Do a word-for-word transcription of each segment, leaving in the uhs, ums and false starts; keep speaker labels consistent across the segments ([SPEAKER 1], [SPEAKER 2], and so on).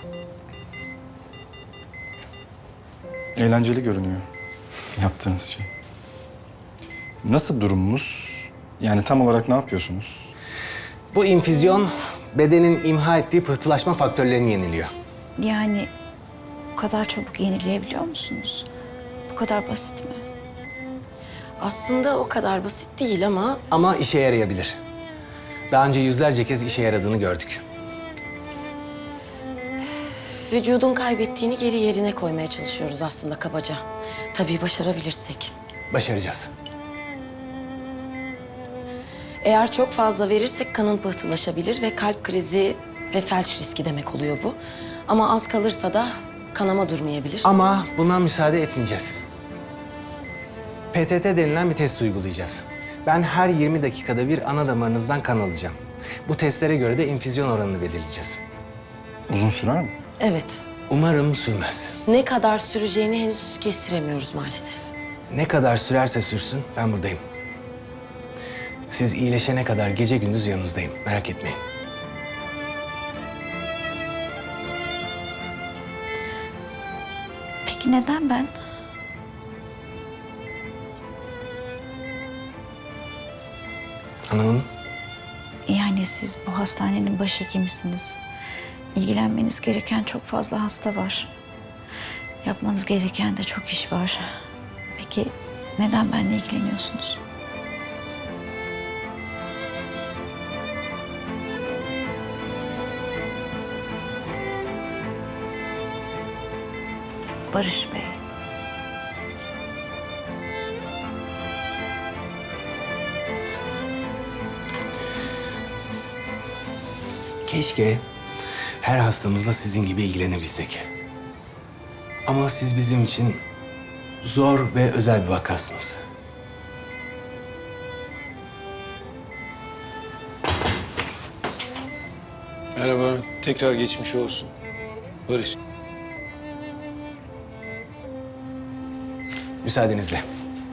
[SPEAKER 1] Eğlenceli görünüyor yaptığınız şey. Nasıl durumunuz? Yani tam olarak ne yapıyorsunuz?
[SPEAKER 2] Bu infüzyon bedenin imha ettiği pıhtılaşma faktörlerini yeniliyor.
[SPEAKER 3] Yani bu kadar çabuk yenileyebiliyor musunuz? Bu kadar basit mi?
[SPEAKER 4] Aslında o kadar basit değil ama
[SPEAKER 2] Ama işe yarayabilir. Daha önce yüzlerce kez işe yaradığını gördük.
[SPEAKER 4] vücudun kaybettiğini geri yerine koymaya çalışıyoruz aslında kabaca. Tabii başarabilirsek.
[SPEAKER 2] Başaracağız.
[SPEAKER 4] Eğer çok fazla verirsek kanın pıhtılaşabilir ve kalp krizi ve felç riski demek oluyor bu. Ama az kalırsa da kanama durmayabilir.
[SPEAKER 2] Ama buna müsaade etmeyeceğiz. P T T denilen bir test uygulayacağız. Ben her yirmi dakikada bir ana damarınızdan kan alacağım. Bu testlere göre de infüzyon oranını belirleyeceğiz.
[SPEAKER 1] Uzun sürer mi?
[SPEAKER 4] Evet.
[SPEAKER 2] Umarım sürmez.
[SPEAKER 4] Ne kadar süreceğini henüz kestiremiyoruz maalesef.
[SPEAKER 2] Ne kadar sürerse sürsün ben buradayım. Siz iyileşene kadar gece gündüz yanınızdayım. Merak etmeyin.
[SPEAKER 3] Peki neden ben?
[SPEAKER 2] Anlamadım.
[SPEAKER 3] Yani siz bu hastanenin başhekimisiniz. İlgilenmeniz gereken çok fazla hasta var. Yapmanız gereken de çok iş var. Peki neden benimle ilgileniyorsunuz? Barış Bey.
[SPEAKER 2] Keşke her hastamızla sizin gibi ilgilenebilsek. Ama siz bizim için zor ve özel bir vakasınız.
[SPEAKER 5] Merhaba, tekrar geçmiş olsun. Barış.
[SPEAKER 2] Müsaadenizle.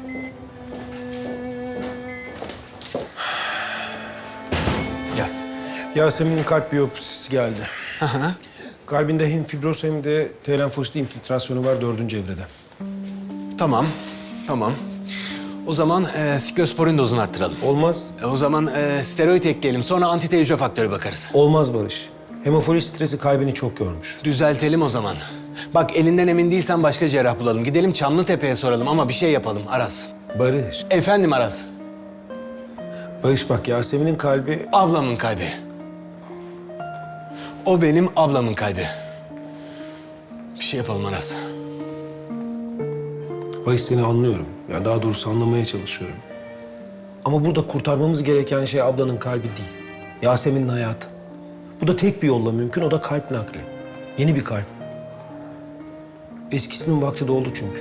[SPEAKER 2] Gel.
[SPEAKER 5] Yasemin'in kalp biyopsisi geldi. Kalbinde hem fibroz hem de T lenfosit infiltrasyonu var dördüncü evrede.
[SPEAKER 2] Tamam, tamam. O zaman e, siklosporin dozunu arttıralım.
[SPEAKER 5] Olmaz,
[SPEAKER 2] E, o zaman e, steroid ekleyelim. Sonra anti hücre faktörü bakarız.
[SPEAKER 5] olmaz Barış. Hemofili stresi kalbini çok yormuş.
[SPEAKER 2] Düzeltelim o zaman. Bak elinden emin değilsen başka cerrah bulalım. Gidelim Çamlıtepe'ye soralım ama bir şey yapalım Aras.
[SPEAKER 5] Barış,
[SPEAKER 2] Efendim Aras.
[SPEAKER 5] Barış bak Yasemin'in kalbi...
[SPEAKER 2] Ablamın kalbi. O benim ablamın kalbi. Bir şey yapalım Aras.
[SPEAKER 5] Barış seni anlıyorum. Ya daha doğrusu anlamaya çalışıyorum. Ama burada kurtarmamız gereken şey ablanın kalbi değil. Yasemin'in hayatı. Bu da tek bir yolla mümkün, o da kalp nakli. Yeni bir kalp. Eskisinin vakti doldu çünkü.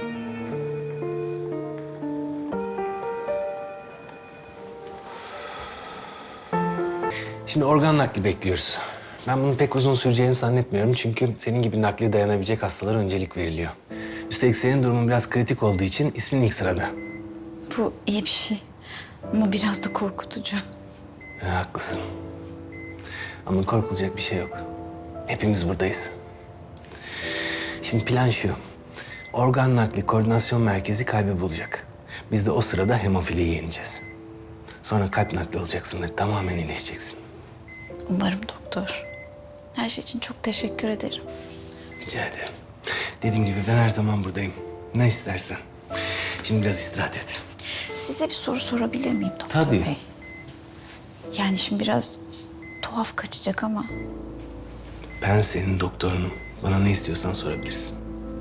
[SPEAKER 2] Şimdi organ nakli bekliyoruz. Ben bunun pek uzun süreceğini zannetmiyorum çünkü senin gibi nakli dayanabilecek hastalara öncelik veriliyor. Üstelik senin durumun biraz kritik olduğu için ismin ilk sırada.
[SPEAKER 3] Bu iyi bir şey. Ama biraz da korkutucu.
[SPEAKER 2] Ha, haklısın. Ama korkulacak bir şey yok. Hepimiz buradayız. Şimdi plan şu. Organ nakli koordinasyon merkezi kalbi bulacak. Biz de o sırada hemofiliyi yeneceğiz. Sonra kalp nakli olacaksın ve tamamen iyileşeceksin.
[SPEAKER 3] Umarım doktor. Her şey için çok teşekkür ederim.
[SPEAKER 2] Rica ederim. Dediğim gibi ben her zaman buradayım. Ne istersen. Şimdi biraz istirahat et.
[SPEAKER 3] Size bir soru sorabilir miyim doktor
[SPEAKER 2] Tabii.
[SPEAKER 3] Bey? Yani şimdi biraz tuhaf kaçacak ama
[SPEAKER 2] Ben senin doktorunum. Bana ne istiyorsan sorabilirsin.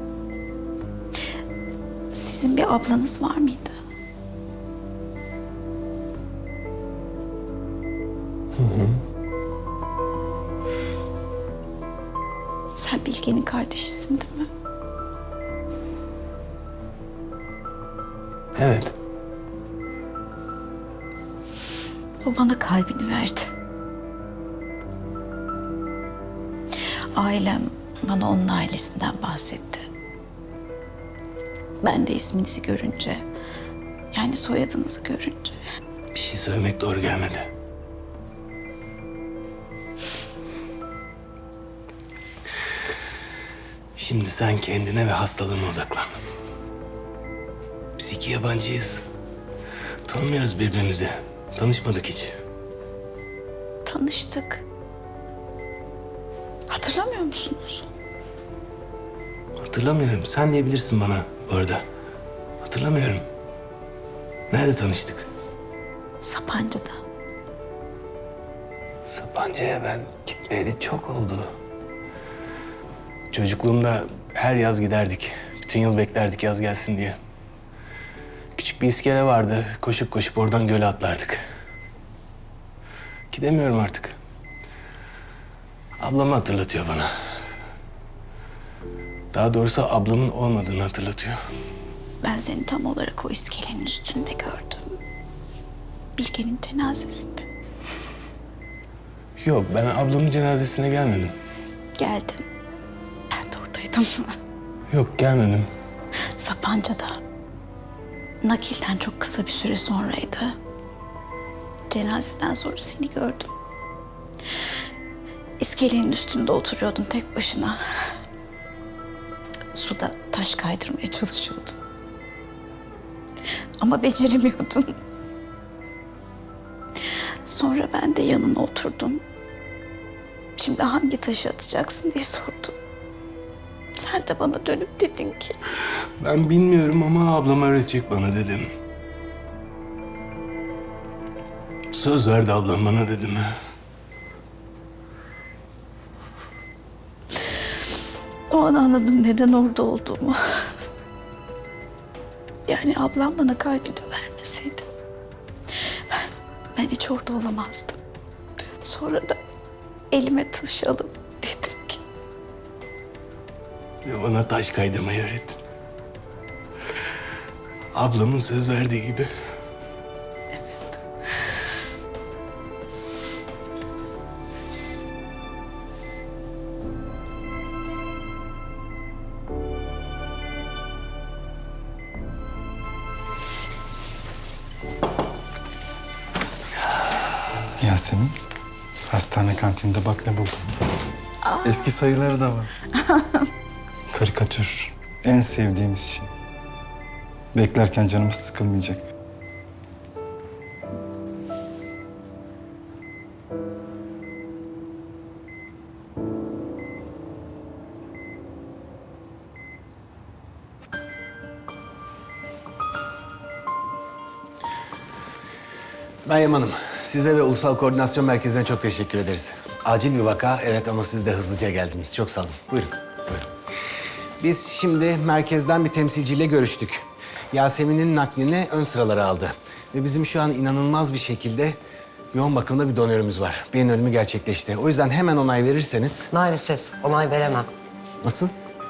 [SPEAKER 3] sizin bir ablanız var mıydı? Hı hı. Sen Bilge'nin kardeşisin değil mi?
[SPEAKER 2] Evet.
[SPEAKER 3] O bana kalbini verdi. Ailem bana onun ailesinden bahsetti. Ben de isminizi görünce, yani soyadınızı görünce
[SPEAKER 2] Bir şey söylemek doğru gelmedi. Şimdi sen kendine ve hastalığına odaklan. Biz iki yabancıyız. Tanımıyoruz birbirimizi. Tanışmadık hiç.
[SPEAKER 3] Tanıştık. Hatırlamıyor musunuz?
[SPEAKER 2] Hatırlamıyorum. Sen diyebilirsin bana bu arada. Hatırlamıyorum. Nerede tanıştık?
[SPEAKER 3] Sapanca'da.
[SPEAKER 2] Sapanca'ya ben gitmeyeli çok oldu. Çocukluğumda her yaz giderdik. Bütün yıl beklerdik yaz gelsin diye. Küçük bir iskele vardı. Koşup koşup oradan göle atlardık. Gidemiyorum artık. Ablamı hatırlatıyor bana. Daha doğrusu ablamın olmadığını hatırlatıyor.
[SPEAKER 3] Ben seni tam olarak o iskelenin üstünde gördüm. Bilge'nin cenazesinde.
[SPEAKER 2] Yok, ben ablamın cenazesine gelmedim.
[SPEAKER 3] Geldin. Ben de oradaydım.
[SPEAKER 2] Yok, gelmedim.
[SPEAKER 3] Sapanca'da. Nakilden çok kısa bir süre sonraydı. Cenazeden sonra seni gördüm. İskelenin üstünde oturuyordun tek başına. Suda taş kaydırmaya çalışıyordun. Ama beceremiyordun. Sonra ben de yanına oturdum. Şimdi hangi taşı atacaksın diye sordum. Sen de bana dönüp dedin ki...
[SPEAKER 2] Ben bilmiyorum ama ablam öğretecek bana dedim. Söz verdi ablam bana dedim.
[SPEAKER 3] O an anladım neden orada olduğumu. Yani ablam bana kalbini vermeseydi... Ben, ben hiç orada olamazdım. Sonra da elime taş alıp dedim ki...
[SPEAKER 2] Ve bana taş kaydırmayı öğrettin. Ablamın söz verdiği gibi.
[SPEAKER 1] Yasemin, hastane kantinde bak ne buldum. Eski sayıları da var. Karikatür, en sevdiğimiz şey. Beklerken canımız sıkılmayacak.
[SPEAKER 2] Meryem Hanım, size ve Ulusal Koordinasyon Merkezi'ne çok teşekkür ederiz. Acil bir vaka, evet ama siz de hızlıca geldiniz. Çok sağ olun. Buyurun, buyurun. Biz şimdi merkezden bir temsilciyle görüştük. Yasemin'in naklini ön sıralara aldı. Ve bizim şu an inanılmaz bir şekilde yoğun bakımda bir donörümüz var. Beyin ölümü gerçekleşti. O yüzden hemen onay verirseniz...
[SPEAKER 6] Maalesef onay veremem.
[SPEAKER 2] Nasıl?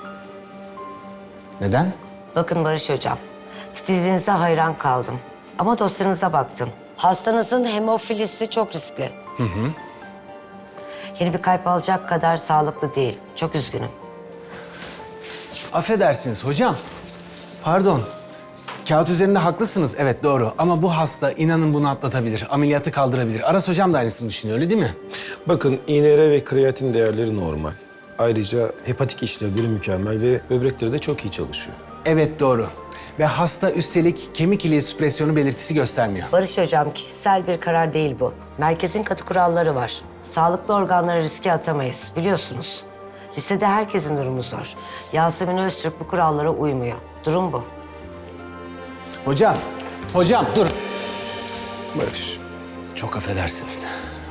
[SPEAKER 2] Neden?
[SPEAKER 6] Bakın Barış Hocam, titizliğinize hayran kaldım. Ama dosyanıza baktım. Hastanızın hemofilisi çok riskli. Hı hı. Yeni bir kalp alacak kadar sağlıklı değil. Çok üzgünüm.
[SPEAKER 2] Affedersiniz hocam. Pardon. Kağıt üzerinde haklısınız. Evet doğru. Ama bu hasta inanın bunu atlatabilir. Ameliyatı kaldırabilir. Aras hocam da aynısını düşünüyor öyle değil mi?
[SPEAKER 5] Bakın I N R ve kreatin değerleri normal. Ayrıca hepatik işlevleri mükemmel ve böbrekleri de çok iyi çalışıyor.
[SPEAKER 2] Evet doğru. Ve hasta üstelik kemik iliği süpresyonu belirtisi göstermiyor.
[SPEAKER 6] Barış Hocam, kişisel bir karar değil bu. Merkezin katı kuralları var. Sağlıklı organları riske atamayız, biliyorsunuz. Listede herkesin durumu zor. Yasemin Öztürk bu kurallara uymuyor. Durum bu.
[SPEAKER 2] Hocam, hocam dur.
[SPEAKER 5] Barış.
[SPEAKER 2] Çok affedersiniz.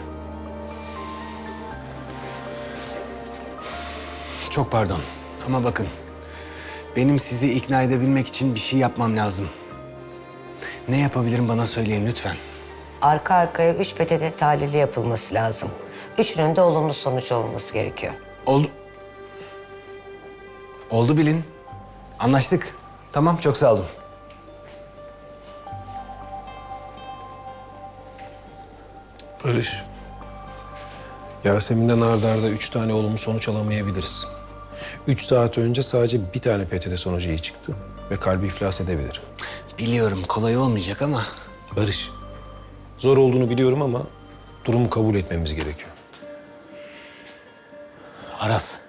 [SPEAKER 2] Çok pardon ama bakın. Benim sizi ikna edebilmek için bir şey yapmam lazım. Ne yapabilirim bana söyleyin lütfen.
[SPEAKER 6] Arka arkaya üç P T T tahlili yapılması lazım. Üçünün de olumlu sonuç olması gerekiyor.
[SPEAKER 2] Oldu. Oldu bilin. Anlaştık. Tamam çok sağ olun.
[SPEAKER 5] Barış. Yasemin'den arda arda üç tane olumlu sonuç alamayabiliriz. Üç saat önce sadece bir tane P T T sonucu iyi çıktı ve kalbi iflas edebilir.
[SPEAKER 2] Biliyorum kolay olmayacak ama...
[SPEAKER 5] Barış, zor olduğunu biliyorum ama durumu kabul etmemiz gerekiyor.
[SPEAKER 2] Aras,